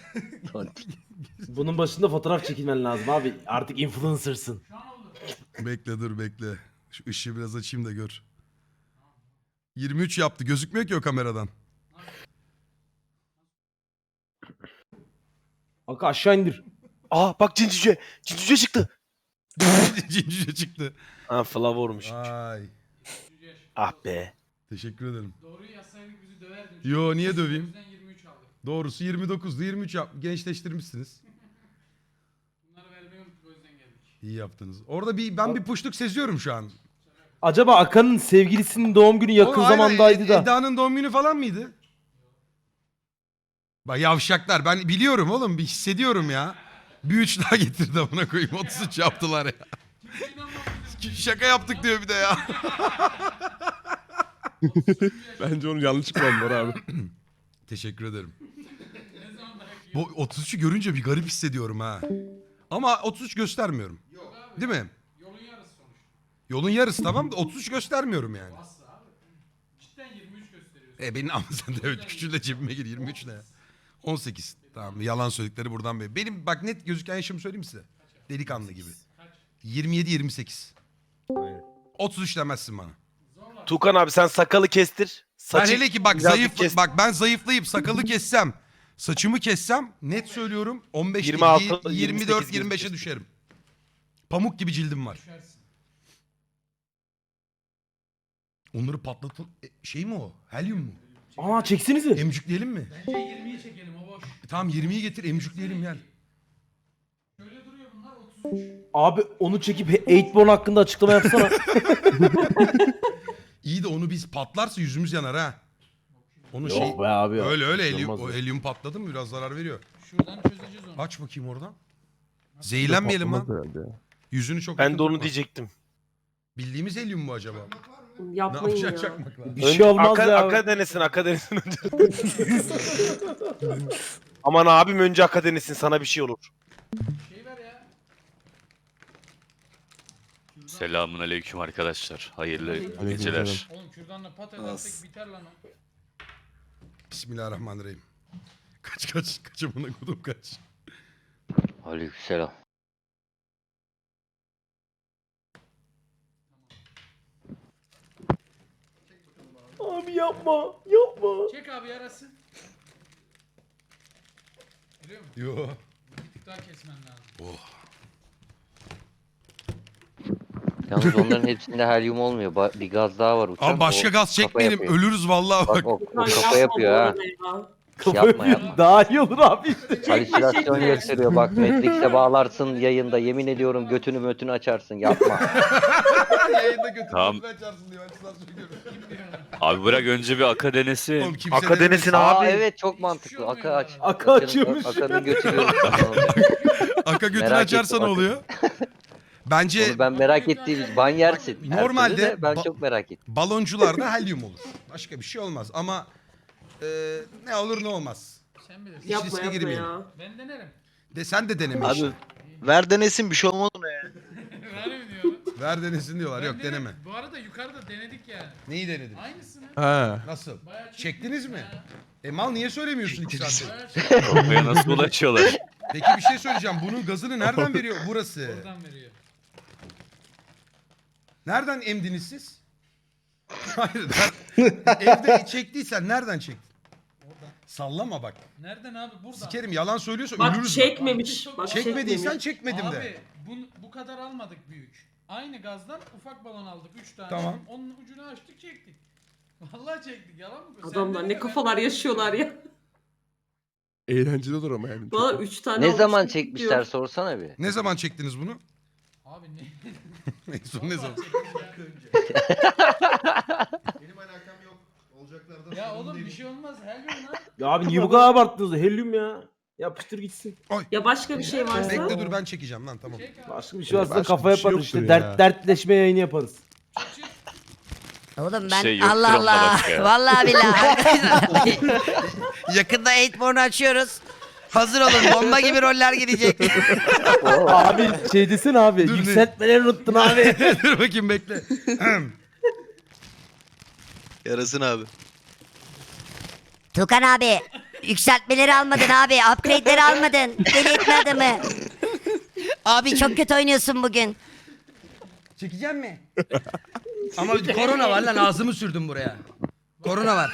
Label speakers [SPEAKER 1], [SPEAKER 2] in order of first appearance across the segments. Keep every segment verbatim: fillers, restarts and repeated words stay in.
[SPEAKER 1] Bunun başında fotoğraf çekilmen lazım abi. Artık influencer'sın.
[SPEAKER 2] Bekle dur bekle. Şu ışığı biraz açayım da gör. yirmi üç yaptı. Gözükmüyor ki o kameradan.
[SPEAKER 1] Kanka aşağı indir.
[SPEAKER 3] Aa bak cincüce. Cincüce çıktı.
[SPEAKER 2] Cincice çıktı.
[SPEAKER 3] Ha Flavor'muş.
[SPEAKER 2] Ay.
[SPEAKER 3] Ah be.
[SPEAKER 2] Teşekkür ederim.
[SPEAKER 4] Doğruyu yazsaydık bizi döverdin.
[SPEAKER 2] Yo niye döveyim?
[SPEAKER 4] O yüzden yirmi üç aldık.
[SPEAKER 2] Doğrusu yirmi dokuzdu. yirmi üç yap. Gençleştirmişsiniz.
[SPEAKER 4] Bunları vermeyi unuttuk o yüzden geldik.
[SPEAKER 2] İyi yaptınız. Orada bir ben bir puşluk seziyorum şu an.
[SPEAKER 1] Acaba Akan'ın sevgilisinin doğum günü yakın
[SPEAKER 2] O aynen,
[SPEAKER 1] zamandaydı
[SPEAKER 2] Ed-
[SPEAKER 1] da.
[SPEAKER 2] Eda'nın doğum günü falan mıydı? Bak yavşaklar ben biliyorum oğlum bir hissediyorum ya. Bir üç daha getirdi amına koyayım otuz üç yaptılar ya. Şaka yaptık diyor bir de ya.
[SPEAKER 5] Bence onun yanlış kullandılar abi.
[SPEAKER 2] Teşekkür ederim. Bu otuz üçü görünce bir garip hissediyorum ha. Ama otuz üç göstermiyorum. Değil mi?
[SPEAKER 4] Yolun yarısı sonuçta.
[SPEAKER 2] Yolun yarısı tamam da otuz üç göstermiyorum yani.
[SPEAKER 4] Asla abi. Cidden yirmi üç gösteriyorsun.
[SPEAKER 2] E benim ama sen de evet küçüğü de cebime gir yirmi üç ne ya? on sekiz. Tamam yalan söyledikleri buradan beri. Benim bak net gözüken yaşımı söyleyeyim size. Delikanlı gibi. yirmi yedi yirmi sekiz. otuz üç demezsin bana.
[SPEAKER 3] Tukan abi sen sakalı kestir.
[SPEAKER 2] Ben
[SPEAKER 3] Saçı
[SPEAKER 2] hele ki bak
[SPEAKER 3] birazcık
[SPEAKER 2] zayıf
[SPEAKER 3] kes.
[SPEAKER 2] bak ben zayıflayıp sakalı kessem, saçımı kessem net söylüyorum on beş
[SPEAKER 3] yirmi
[SPEAKER 2] değil,
[SPEAKER 3] altı,
[SPEAKER 2] yirmi dört
[SPEAKER 3] yirmi sekiz
[SPEAKER 2] yirmi beşe
[SPEAKER 3] kesin.
[SPEAKER 2] düşerim. Pamuk gibi cildim var.
[SPEAKER 4] Düşersin.
[SPEAKER 2] Onları patlatın e, şey mi o? Helyum mu?
[SPEAKER 1] Aa çeksinize.
[SPEAKER 2] Emcükleyelim mi?
[SPEAKER 4] Bence yirmiyi çekelim o boş.
[SPEAKER 2] E, tamam yirmiyi getir emcükleyelim gel.
[SPEAKER 4] Şöyle duruyor bunlar otuz üç.
[SPEAKER 1] Abi onu çekip Eightborn hakkında açıklama yapsana.
[SPEAKER 2] İyi de onu biz patlarsa yüzümüz yanar ha. Onu şey
[SPEAKER 1] Yok be abi ya.
[SPEAKER 2] öyle öyle
[SPEAKER 1] Hiç
[SPEAKER 2] helyum,
[SPEAKER 1] olmaz
[SPEAKER 2] o
[SPEAKER 1] ya.
[SPEAKER 2] helyum patladı mı biraz zarar veriyor.
[SPEAKER 4] Şuradan çözeceğiz onu.
[SPEAKER 2] Aç bakayım oradan. Zehirlenmeyelim lan.
[SPEAKER 5] Patlamaz herhalde ya.
[SPEAKER 2] Yüzünü çok
[SPEAKER 3] Ben
[SPEAKER 2] yakın
[SPEAKER 3] de onu
[SPEAKER 2] tutma.
[SPEAKER 3] diyecektim.
[SPEAKER 2] Bildiğimiz helyum mu acaba? Ne
[SPEAKER 6] Yapmayın
[SPEAKER 2] yapacak
[SPEAKER 6] ya.
[SPEAKER 2] çakmakla?
[SPEAKER 1] Bir şey olmaz
[SPEAKER 3] aka,
[SPEAKER 1] ya.
[SPEAKER 3] Aka denesin aka denesin önce. Aman abim önce aka denesin sana bir şey olur.
[SPEAKER 4] Şey ver ya.
[SPEAKER 7] Selamun aleyküm arkadaşlar. Hayırlı
[SPEAKER 5] Aleykümselam.
[SPEAKER 7] geceler.
[SPEAKER 4] Oğlum kürdanla pat edersek biter lan o.
[SPEAKER 2] Bismillahirrahmanirrahim. Kaç kaç kaç amına kodum kaç.
[SPEAKER 8] Aleykümselam.
[SPEAKER 1] Abi yapma. Yapma.
[SPEAKER 4] Çek abi yarası. Görüyor musun?
[SPEAKER 2] Yo.
[SPEAKER 4] Bir tık daha kesmen lazım.
[SPEAKER 2] Oh.
[SPEAKER 8] Yalnız onların hepsinde helyum olmuyor. Ba- bir gaz daha var uçan.
[SPEAKER 2] Ama başka
[SPEAKER 8] o
[SPEAKER 2] gaz
[SPEAKER 8] kafa
[SPEAKER 2] çekmeyelim
[SPEAKER 8] yapıyor.
[SPEAKER 2] ölürüz vallahi
[SPEAKER 8] Bak
[SPEAKER 2] bak.
[SPEAKER 8] o, o
[SPEAKER 6] Ay,
[SPEAKER 8] kafa
[SPEAKER 6] yapma
[SPEAKER 8] yapıyor
[SPEAKER 6] bu
[SPEAKER 8] ha.
[SPEAKER 6] arada ya.
[SPEAKER 1] Kafa
[SPEAKER 8] Yapma,
[SPEAKER 1] yapıyor.
[SPEAKER 8] yapma.
[SPEAKER 1] Daha iyi olur abi işte.
[SPEAKER 8] Halüsinasyon gösteriyor. Bak Matrix'e bağlarsın yayında. Yemin ediyorum götünü mötünü açarsın. Yapma.
[SPEAKER 2] Yayında götür
[SPEAKER 7] Tamam.
[SPEAKER 2] götür açarsın diyor. Açıdan söylüyorum.
[SPEAKER 7] Abi bırak önce bir aka denesin.
[SPEAKER 2] Oğlum kimse
[SPEAKER 3] Aka
[SPEAKER 2] denemesin.
[SPEAKER 3] denesin
[SPEAKER 8] Aa
[SPEAKER 3] abi.
[SPEAKER 8] evet çok
[SPEAKER 4] Hiçbir
[SPEAKER 8] mantıklı.
[SPEAKER 4] şey
[SPEAKER 8] Aka
[SPEAKER 4] olmuyor
[SPEAKER 8] aç.
[SPEAKER 4] bu arada.
[SPEAKER 1] Aka açıyormuş.
[SPEAKER 8] Akanın götü görürsün.
[SPEAKER 2] Aka götünü
[SPEAKER 8] Merak
[SPEAKER 2] açarsa ne
[SPEAKER 8] ettim,
[SPEAKER 2] oluyor? Bence
[SPEAKER 8] Onu ben merak ettiğim için ban yersin. Her türlü
[SPEAKER 2] Normalde
[SPEAKER 8] de ben
[SPEAKER 2] ba-
[SPEAKER 8] çok merak ettim.
[SPEAKER 2] baloncularda helyum olur. Başka bir şey olmaz ama e, ne olur ne olmaz.
[SPEAKER 4] Sen bilirsin.
[SPEAKER 2] Yap-
[SPEAKER 6] Yapma
[SPEAKER 2] riske
[SPEAKER 6] yapma
[SPEAKER 2] girmeyelim.
[SPEAKER 6] ya.
[SPEAKER 4] Ben denerim.
[SPEAKER 2] De sen de deneme işte.
[SPEAKER 3] Abi ver denesin bir şey olmaz ona ya.
[SPEAKER 4] Ver mi diyorum?
[SPEAKER 2] Ver denesin diyorlar.
[SPEAKER 4] Ben
[SPEAKER 2] Yok
[SPEAKER 4] denedim.
[SPEAKER 2] deneme.
[SPEAKER 4] Bu arada yukarıda denedik yani.
[SPEAKER 2] Neyi denedin?
[SPEAKER 4] Aynısını.
[SPEAKER 5] Ha.
[SPEAKER 2] Nasıl?
[SPEAKER 4] Bayağı çektik
[SPEAKER 2] Çektiniz mi?
[SPEAKER 4] ya.
[SPEAKER 2] E mal niye söylemiyorsun iki saattir?
[SPEAKER 4] Bayağı çektik.
[SPEAKER 7] Kafaya nasıl ulaşıyorlar?
[SPEAKER 2] Peki bir şey söyleyeceğim. Bunun gazını nereden veriyor burası?
[SPEAKER 4] Buradan veriyor.
[SPEAKER 2] Nereden emdiniz siz? Hayır. ner- Evde çektiysen nereden çektin?
[SPEAKER 4] Oradan.
[SPEAKER 2] Sallama bak.
[SPEAKER 4] Nereden abi? Buradan.
[SPEAKER 2] Sikerim yalan söylüyorsa
[SPEAKER 6] Bak
[SPEAKER 2] ölürüz.
[SPEAKER 6] çekmemiş. Bak
[SPEAKER 2] Çekmediysen
[SPEAKER 6] çekmemiş.
[SPEAKER 2] çekmedim
[SPEAKER 4] Abi
[SPEAKER 2] de.
[SPEAKER 4] bu, bu kadar almadık büyük. Aynı gazdan ufak balon aldık üç tane.
[SPEAKER 2] Tamam.
[SPEAKER 4] Onun ucunu açtık çektik. Vallahi çektik yalan mı? Sen
[SPEAKER 6] Adamlar
[SPEAKER 4] dedin
[SPEAKER 6] ne
[SPEAKER 4] ya,
[SPEAKER 6] kafalar
[SPEAKER 4] ben-
[SPEAKER 6] yaşıyorlar ya.
[SPEAKER 5] Eğlenceli olur ama yani.
[SPEAKER 6] Valla üç tane
[SPEAKER 8] Ne
[SPEAKER 6] almış
[SPEAKER 8] zaman
[SPEAKER 6] gittik
[SPEAKER 8] çekmişler
[SPEAKER 6] diyor.
[SPEAKER 8] sorsana bir.
[SPEAKER 2] Ne zaman çektiniz bunu?
[SPEAKER 4] Abi ne?
[SPEAKER 2] En son ne zaman?
[SPEAKER 9] Benim alakam yok. Olacaklardan
[SPEAKER 4] Ya
[SPEAKER 9] sorumlu
[SPEAKER 4] oğlum bir
[SPEAKER 9] değilim.
[SPEAKER 4] şey olmaz her gün lan.
[SPEAKER 1] Ya abi niye bu kadar abarttınız? Helyum ya. Yapıştır gitsin.
[SPEAKER 6] Ya başka bir şey varsa.
[SPEAKER 2] Bekle dur ben çekeceğim lan tamam.
[SPEAKER 4] Çek abi.
[SPEAKER 1] Başka bir şey varsa
[SPEAKER 5] Başka
[SPEAKER 1] kafa
[SPEAKER 5] bir şey
[SPEAKER 1] yaparız
[SPEAKER 5] yoktur
[SPEAKER 1] işte.
[SPEAKER 5] ya.
[SPEAKER 1] Dert, dertleşme yayını yaparız.
[SPEAKER 4] Çık, çık.
[SPEAKER 10] Oğlum ben
[SPEAKER 7] Şey yok,
[SPEAKER 10] Allah
[SPEAKER 7] kromla
[SPEAKER 10] Allah.
[SPEAKER 7] başka ya.
[SPEAKER 10] Vallahi billahi arkadaşlar. Yakında Eightborn'u açıyoruz. Hazır olun bomba gibi roller gelecek.
[SPEAKER 1] Abi şey desene abi.
[SPEAKER 2] Dur ne?
[SPEAKER 1] Yükseltmeleri unuttun abi.
[SPEAKER 2] Dur bakayım bekle.
[SPEAKER 3] Yarasın abi.
[SPEAKER 10] Tukan abi Yükseltmeleri almadın abi. Upgrade'leri almadın. Deli etme adamı. Abi çok kötü oynuyorsun bugün.
[SPEAKER 11] Çekeceğim mi? Ama korona var lan ağzımı sürdüm buraya. Korona var.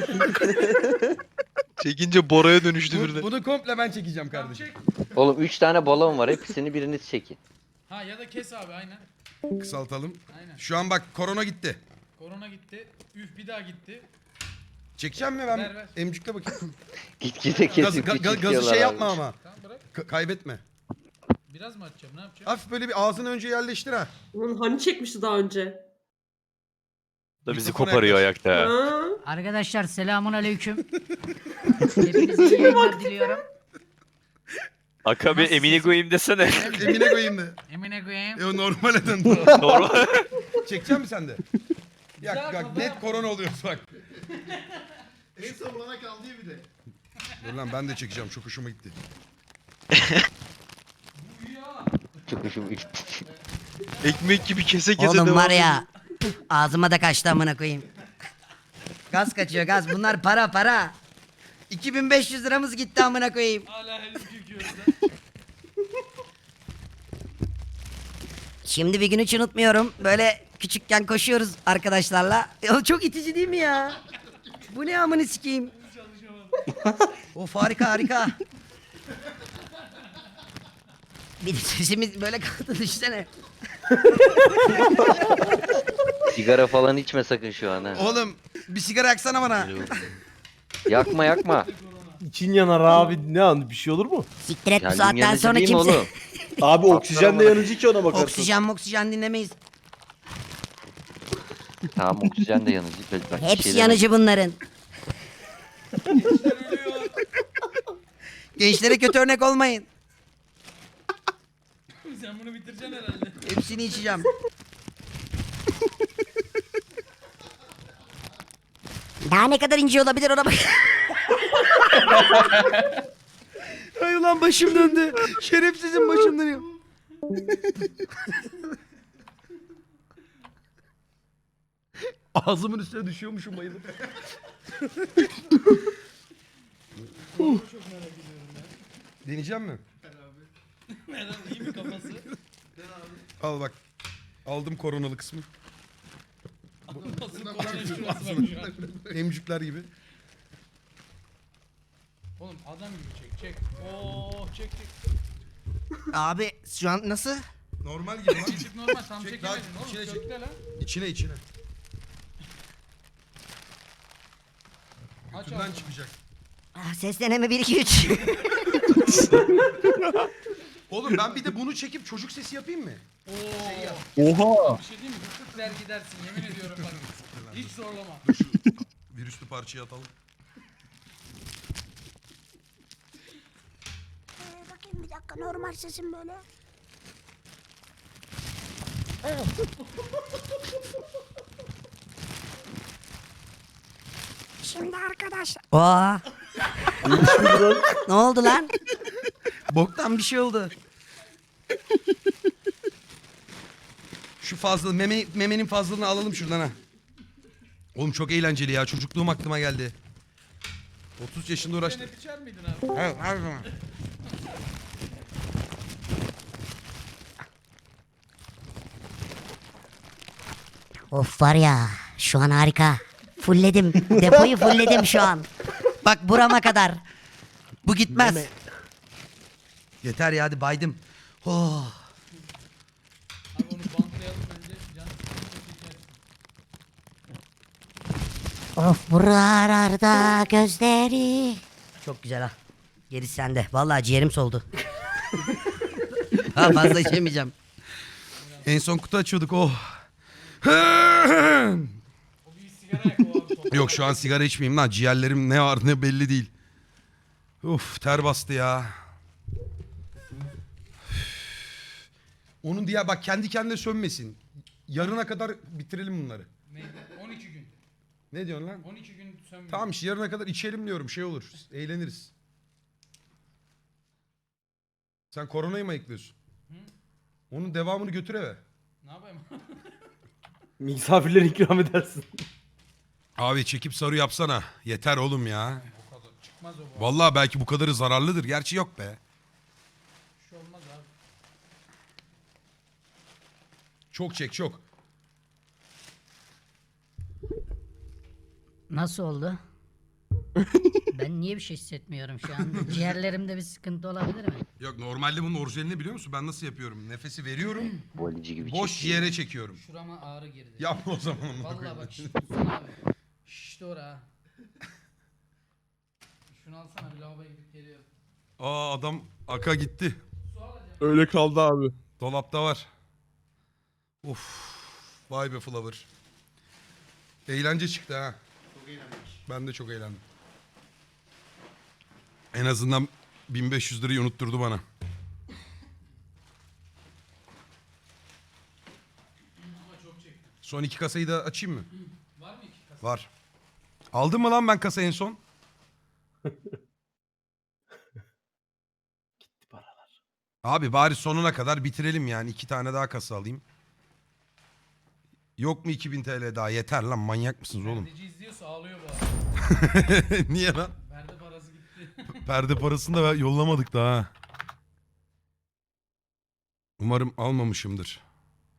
[SPEAKER 3] Çekince Bora'ya dönüştü
[SPEAKER 11] Bu- bunu komple ben çekeceğim kardeşim.
[SPEAKER 8] Oğlum üç tane balon var. Hepsini biriniz çekin.
[SPEAKER 4] Ha ya da kes abi aynen.
[SPEAKER 2] Kısaltalım.
[SPEAKER 4] Aynen.
[SPEAKER 2] Şu an bak korona gitti.
[SPEAKER 4] Korona gitti. Üf bir daha gitti.
[SPEAKER 2] Çekeceğim mi ben?
[SPEAKER 4] Ver, ver.
[SPEAKER 2] Emcükle bakayım.
[SPEAKER 8] Gitgide
[SPEAKER 2] Gaz,
[SPEAKER 8] kesip
[SPEAKER 2] ga- ga- gazı şey yapma ama.
[SPEAKER 4] Tamam bırak.
[SPEAKER 2] Ka- kaybetme.
[SPEAKER 4] Biraz mı atacağım ne yapacağım?
[SPEAKER 2] Hafif böyle bir ağzını önce yerleştir ha.
[SPEAKER 6] Ulan hani çekmişti daha önce?
[SPEAKER 7] Da bizi
[SPEAKER 2] Mikrofona
[SPEAKER 7] koparıyor
[SPEAKER 2] yaklaş.
[SPEAKER 7] ayakta.
[SPEAKER 6] Ha?
[SPEAKER 10] Arkadaşlar selamun aleyküm. Hepinize iyi yayınlar diliyorum.
[SPEAKER 7] Aka bir Emine koyayım desene.
[SPEAKER 2] Emine koyayım da.
[SPEAKER 4] Emine koyayım.
[SPEAKER 2] E o normale dön.
[SPEAKER 7] Normal.
[SPEAKER 2] Çekecek misin sen de? Ya
[SPEAKER 4] Güzel
[SPEAKER 2] bak
[SPEAKER 4] kafa
[SPEAKER 2] net
[SPEAKER 4] yap.
[SPEAKER 2] korona oluyor bak.
[SPEAKER 9] En son bana kaldı ya bir de.
[SPEAKER 2] Dur lan ben de çekeceğim çok hoşuma gitti.
[SPEAKER 8] Çok hoşuma
[SPEAKER 3] Ekmek gibi kese kese
[SPEAKER 11] Oğlum
[SPEAKER 3] devam
[SPEAKER 11] var
[SPEAKER 3] ediyor.
[SPEAKER 11] ya. Ağzıma da kaçtı amına koyayım. Gaz kaçıyor gaz. Bunlar para para. iki bin beş yüz liramız gitti amına koyayım.
[SPEAKER 4] Hala elini yıkıyoruz da.
[SPEAKER 11] Şimdi bir gün hiç unutmuyorum. Böyle küçükken koşuyoruz arkadaşlarla. Ya çok itici değil mi ya? Bu ne amını sikeyim? Of harika harika. Bir de sesimiz böyle kaldı düşünsene.
[SPEAKER 8] Sigara falan içme sakın şu an ha.
[SPEAKER 11] Oğlum bir sigara yaksana bana.
[SPEAKER 8] Yakma yakma.
[SPEAKER 1] İçin yanar abi. Ne an bir şey olur mu?
[SPEAKER 11] Siktir et bu
[SPEAKER 8] Kendin
[SPEAKER 11] saatten
[SPEAKER 8] yanıcı
[SPEAKER 11] sonra
[SPEAKER 8] değil mi
[SPEAKER 11] kimse.
[SPEAKER 8] oğlum?
[SPEAKER 1] Abi oksijen de yanıcı ki ona bakarsın.
[SPEAKER 11] Oksijen oksijen dinlemeyiz.
[SPEAKER 8] Tamam oksijen de yanıcı. Bak, bir
[SPEAKER 11] Hepsi
[SPEAKER 8] şey
[SPEAKER 11] yanıcı bunların. Gençlere kötü örnek olmayın.
[SPEAKER 4] Sen bunu bitireceksin herhalde.
[SPEAKER 11] Hepsini içeceğim. Daha ne kadar ince olabilir ona bak. Ay ulan başım döndü. Şerefsizim başım dönüyor.
[SPEAKER 2] Ağzımın üstüne düşüyormuşum bayılıp. Deneyeceğim mi?
[SPEAKER 4] Herhalde iyi mi kafası?
[SPEAKER 2] Al bak. Aldım koronalı kısmı.
[SPEAKER 4] Nasıl korona şurası bak şu an.
[SPEAKER 2] Emcükler gibi.
[SPEAKER 4] Oğlum adam gibi çek çek. Oo çek çek.
[SPEAKER 11] Abi şu an nasıl?
[SPEAKER 2] Normal gibi lan.
[SPEAKER 4] Çek normal tam
[SPEAKER 2] Çek, daha
[SPEAKER 4] çekemedin oğlum.
[SPEAKER 2] içine çek.
[SPEAKER 4] Kökle lan.
[SPEAKER 2] İçine içine.
[SPEAKER 4] Aç
[SPEAKER 2] Götünden
[SPEAKER 4] abi.
[SPEAKER 2] çıkacak.
[SPEAKER 11] Ah, ses deneme bir iki üç.
[SPEAKER 2] Oğlum ben bir de bunu çekip çocuk sesi yapayım mı?
[SPEAKER 4] Oo.
[SPEAKER 1] Oha.
[SPEAKER 4] Bir şey diyeyim mi? Tık der gidersin yemin ediyorum bak. Hiç zorlama.
[SPEAKER 2] Dur şu virüslü parçayı atalım.
[SPEAKER 10] Bakayım bir dakika normal sesim böyle. Şimdi arkadaşlar. Oo. Ne oldu lan?
[SPEAKER 11] Boktan bir şey oldu.
[SPEAKER 2] Şu fazla meme, memenin fazlalığını alalım şuradan ha. Oğlum çok eğlenceli ya. Çocukluğum aklıma geldi. otuz yaşında
[SPEAKER 4] Sen
[SPEAKER 2] uğraştım.
[SPEAKER 4] hep içer miydin abi?
[SPEAKER 11] Evet, her zaman. Of var ya şu an harika. Fullledim. Depoyu fullledim şu an. Bak burama kadar. Bu gitmez. Yeter ya hadi baydım. Oh.
[SPEAKER 4] Abi onu bantlayalım önce. Can çeker.
[SPEAKER 11] Of buralarda gözleri. Çok güzel ha. Gerisi sende. Vallahi ciğerim soldu. Daha fazla içemeyeceğim.
[SPEAKER 2] En son kutu açıyorduk oh.
[SPEAKER 4] O bir sigara yak o abi. Son.
[SPEAKER 2] Yok şu an sigara içmeyeyim lan. Ciğerlerim ne var ne belli değil. Uf ter bastı ya. Onun diye bak kendi kendine sönmesin. Yarına kadar bitirelim bunları.
[SPEAKER 4] Ne? on iki gün.
[SPEAKER 2] Ne diyorsun lan?
[SPEAKER 4] on iki gün sönmüyor.
[SPEAKER 2] Tamam işte yarına kadar içelim diyorum şey olur. Eğleniriz. Sen koronayı mı ayıklıyorsun? Onun devamını götür eve.
[SPEAKER 4] Ne yapayım?
[SPEAKER 1] Misafirlere ikram edersin.
[SPEAKER 2] Abi çekip sarı yapsana. Yeter oğlum ya.
[SPEAKER 4] O kadar çık. Çıkmaz o bu.
[SPEAKER 2] Vallahi belki bu kadarı zararlıdır. Gerçi yok be.
[SPEAKER 4] Bir şey olmaz abi.
[SPEAKER 2] Çok çek çok.
[SPEAKER 11] Nasıl oldu? Ben niye bir şey hissetmiyorum şu an? Ciğerlerimde bir sıkıntı olabilir mi?
[SPEAKER 2] Yok normalde bunun orijinalini biliyor musun? Ben nasıl yapıyorum? Nefesi veriyorum.
[SPEAKER 8] Valici gibi
[SPEAKER 2] Boş
[SPEAKER 8] çekiyor.
[SPEAKER 2] yere çekiyorum.
[SPEAKER 4] Şurama ağrı girdi.
[SPEAKER 2] Yapma o zaman onu.
[SPEAKER 4] Vallahi bak şişt tutsana abi. Şişti ora ha. Şunu alsana bir lavaboya gidip geliyorum.
[SPEAKER 2] Aa adam aka gitti.
[SPEAKER 5] Öyle kaldı abi.
[SPEAKER 2] Dolapta var. Uf. Vay be Flower. Eğlence çıktı ha.
[SPEAKER 9] Çok eğlendik.
[SPEAKER 2] Ben de çok eğlendim. En azından bin beş yüz lirayı unutturdu bana. Son iki kasayı da açayım mı?
[SPEAKER 4] Var mı iki kasa?
[SPEAKER 2] Var. Aldım mı lan ben kasa en son?
[SPEAKER 1] Gitti paralar.
[SPEAKER 2] Abi bari sonuna kadar bitirelim yani. İki tane daha kasa alayım. Yok mu iki bin T L daha? Yeter lan, manyak mısınız oğlum?
[SPEAKER 4] Perdeci izliyorsa ağlıyor bu arada.
[SPEAKER 2] Niye lan?
[SPEAKER 4] Perde parası gitti.
[SPEAKER 2] Perde parasını da yollamadık daha. Umarım almamışımdır.